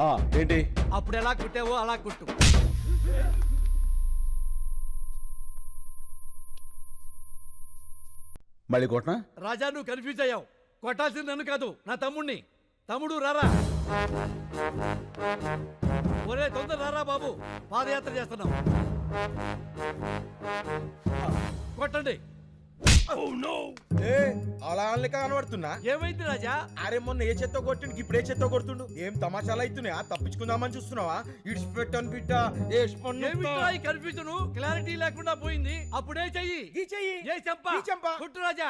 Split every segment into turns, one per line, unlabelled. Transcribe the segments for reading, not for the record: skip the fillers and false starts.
ఏంటి?
అప్పుడు ఎలా కుట్టావో అలా కుట్టు.
మళ్ళీ కొట్టనా?
రాజా నువ్వు కన్ఫ్యూజ్ అయ్యావు. కొట్టాల్సింది నన్ను కాదు, నా తమ్ముణ్ణి. తమ్ముడు రారా. ఒరే తొందర రారా బాబు, పాదయాత్ర చేస్తున్నాం. కొట్టండి.
అలా కనబడుతున్నా.
ఏమైంది రాజా?
అరే మొన్న ఏ చెత్త కొట్టిండు, ఇప్పుడు ఏ చెత్త కొడుతుండు. ఏం తమాషాలు అవుతున్నాయా? తప్పించుకుందామని చూస్తున్నావా? ఇడిచిపెట్టాను బిడ్డ.
కన్ఫ్యూజన్ క్లారిటీ లేకుండా పోయింది. అప్పుడే చెయ్యి. ఏ చెంప కొట్టు రాజా.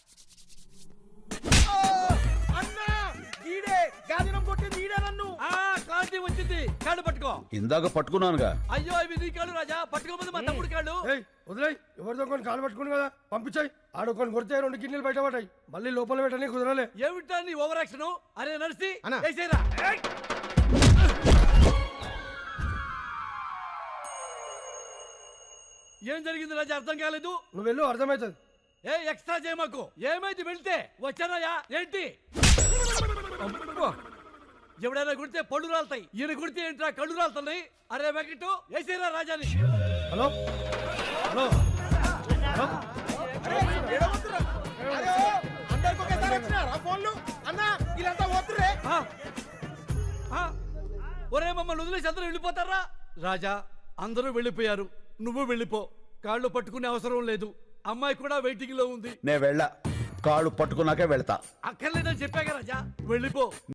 అన్నా ఈడే గాదినం కొట్టింది, ఈడే నన్ను.
క్లారిటీ వచ్చింది. కాళ్ళు పట్టుకో.
ఇందాక పట్టుకున్నానుగా.
అయ్యో ఇవి నీ కాళ్ళు రాజా. పట్టుకోపోతే మా తమ్ముడు కాళ్ళు.
వదిలేయ్, ఎవరితో కొన్ని కాలు పట్టుకుని కదా పంపించాయి. ఆడుకొని కొడితే 2 కిడ్నీలు బయట పడ్డాయి. మళ్ళీ లోపల పెట్టని కుదరలే.
ఏమిటా నీ ఓవర్ యాక్షన్? అరే నర్సి వేసేరా. ఏం జరిగింది రాజా? అర్థం కాలేదు.
నువ్వు వెళ్ళు, అర్థమవుతుంది.
ఏ ఎక్స్ట్రా చేయమాకు. ఏమైంది వెళ్తే? వచ్చానయ్యా. ఏంటి? ఎవడైనా కుడితే పళ్ళు రాలుతాయి, ఈయన కుడితే ఏంట్రా కళ్ళు రాలుతున్నాయి. అరే వెంకటు వేసేరా రాజాని.
హలో హలో
ఒరే మమ్మల్ని వదిలేసి అందరూ వెళ్ళిపోతారా? రాజా అందరూ వెళ్ళిపోయారు, నువ్వు వెళ్ళిపో. కాళ్ళు పట్టుకునే అవసరం లేదు. అమ్మాయి కూడా వెయిటింగ్ లో ఉంది.
నే వెళ్ళా, కాళ్ళు పట్టుకున్నాకే వెళ్తా.
అక్కర్లేదని చెప్పాక రాజా, వెళ్ళిపో.